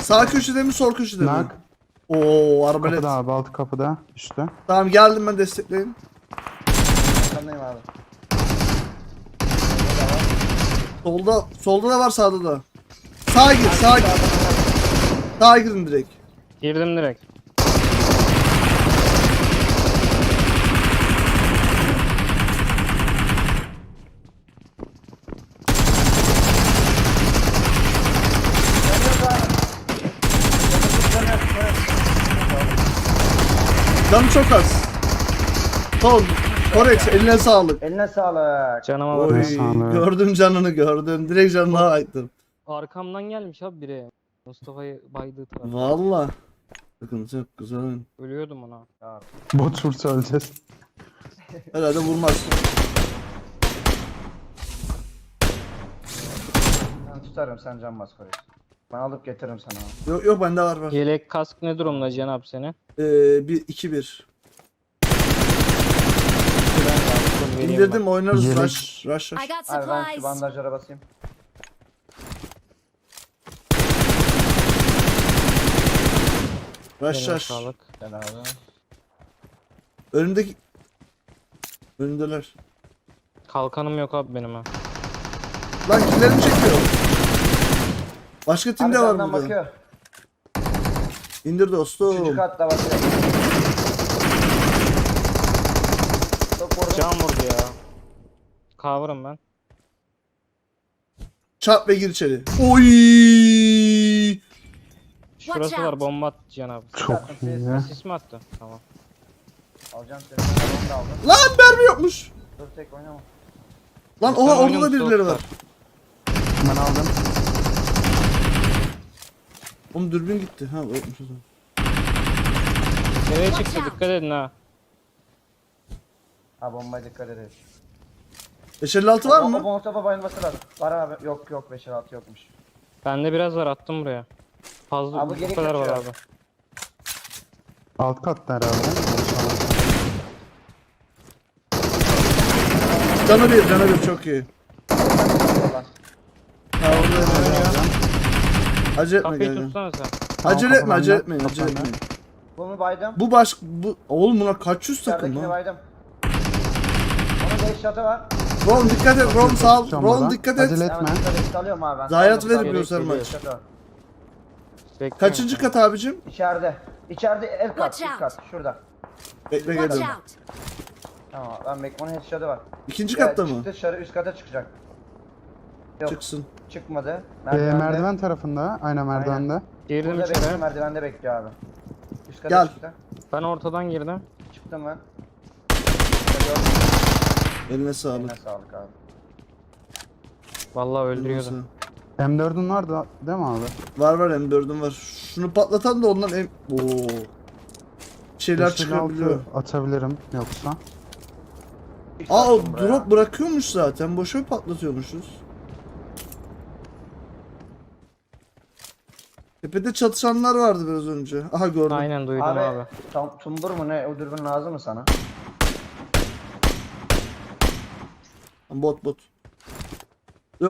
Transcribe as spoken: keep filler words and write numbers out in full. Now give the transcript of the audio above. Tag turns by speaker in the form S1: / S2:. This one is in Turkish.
S1: Sağ köşede mi sol köşede mi?
S2: Nak.
S1: Oo arbalet.
S2: Kapıda abi, alt kapıda. İşte.
S1: Tamam geldim ben destekleyin.
S3: Arkandayım abi.
S1: Solda solda da var sağda da. Sağa gir sağa gir. Sağa girin direkt.
S4: Girdim direkt.
S1: Canı çok az. Sol. Korex eline sağlık.
S3: Eline sağlık.
S4: Canıma
S1: Oy,
S4: bak.
S2: sağlık.
S1: gördüm canını gördüm. Direkt canına ayıttım.
S4: Arkamdan gelmiş abi biri. Mustafa'yı baydığı taraf.
S1: Valla. Bakın çok güzel oyun.
S4: Ölüyordum ona.
S2: Bot vursa öleceğiz.
S1: Herhalde vurmaz.
S3: Ben tutarım, sen can bas Korex. Ben alıp getiririm sana abi.
S1: Yok yok bende var var.
S4: Yelek kask ne durumda Cihan abi senin?
S1: Ee, bir iki bir. İndirdim oynarız
S2: Yelek.
S1: rush rush
S5: I
S1: rush.
S5: got
S3: Abi ben şu
S5: supplies.
S3: bandajlara basayım.
S1: Rush
S4: Eline
S1: rush.
S4: sağlık.
S3: Gel abi.
S1: Önümdeki önündeler.
S4: Kalkanım yok abi benim ha.
S1: Lan kimlerini çekiyor? Başka
S3: Abi
S1: timde var
S3: senden
S1: burada.
S3: bakıyor.
S1: İndir dostum.
S3: Üçüncü katta bakıyor. Çok vurdum.
S4: Can vurdu ya. Cover'ım ben.
S1: Çarp ve gir içeri. Oy!
S4: Şurası var, bomba attı Cihan abi.
S2: Çok iyi.
S4: Sis mi attı? Tamam.
S3: Alacağım seni. Ben onu da aldım.
S1: Lan mermi yokmuş.
S3: Dur tek oynama.
S1: Lan
S4: Sen
S1: oha orada da
S4: oynamış
S1: birileri var.
S4: dostlar.
S2: Ben aldım.
S1: Oğlum dürbün gitti. Ha yokmuş o zaman.
S4: Nereye çıktı, dikkat edin ha.
S3: Ha bombaya dikkat edin.
S1: beş elli altı var
S3: O
S1: mı?
S3: Molotof'a bayılması lazım. Var abi. Yok yok beş altı yokmuş.
S4: Bende biraz var, attım buraya. Fazla
S3: Abi
S4: bu
S3: geri
S4: kadar var
S3: kaçıyor.
S4: abi.
S2: Alt katta herhalde.
S1: Canı bir, canı bir çok iyi. Ha orada Acele etme
S4: Kapıyı
S1: gel.
S4: tutsana sen.
S1: Acele etme,
S2: kapı
S1: acele
S2: bende,
S1: etmeyin,
S2: kapı
S1: acele
S2: bende.
S1: etmeyin.
S3: Bunu baydım.
S1: Bu baş bu oğlum bunlar kaç yüz takım
S3: İçeridekini
S1: lan?
S3: baydım. Onun beş shot'ı var.
S1: Ron dikkat et, Ron sağ ol.
S2: Tutacağım
S1: Ron
S2: buradan.
S1: dikkat et.
S2: Acele etme.
S3: Hemen dikkat et. Alıyorum abi ben.
S1: Zayiat
S3: Saldım,
S1: verip
S3: saldım.
S1: göster
S4: geliyor.
S1: maç.
S3: Shot'ı var.
S4: Bekliyorum
S1: Kaçıncı
S4: seni.
S1: kat abicim?
S3: İçeride. İçeride el kat.
S5: Watch
S3: İlk kat. Şurada.
S1: Bekle
S5: Watch
S1: geldim.
S5: out.
S3: Tamam ben bek onun headshot'ı var.
S1: İkinci
S3: Ya,
S1: katta mı?
S3: Çıktı dışarı üst kata çıkacak. Yok
S1: Çıksın.
S3: çıkmadı.
S2: Ee, merdiven tarafında. Aynen merdivende.
S4: Girdim
S3: Burada bekliyor,
S4: içeri.
S3: merdivende bekliyor abi. Üst kata
S1: Gel.
S3: çıktı.
S4: Ben ortadan girdim.
S3: Çıktım ben.
S1: Eline sağlık.
S3: Eline sağlık abi.
S4: Vallahi
S1: Eline
S4: öldürüyordu.
S1: sağlık.
S2: M dördün var da değil mi abi?
S1: Var var M dördüm var. Şunu patlatan da ondan M... Oo. Bir şeyler
S2: beş elli altı
S1: çıkabiliyor.
S2: atabilirim yoksa.
S1: Aa o
S3: Çıktım buraya.
S1: drop bırakıyormuş zaten. Boşa patlatıyormuşuz. Tepede çatışanlar vardı biraz önce. Aha gördüm.
S4: Aynen duydum
S3: Abi,
S4: abi.
S3: tam tumbur mu ne? O dürbün lazım mı sana?
S1: Bot bot.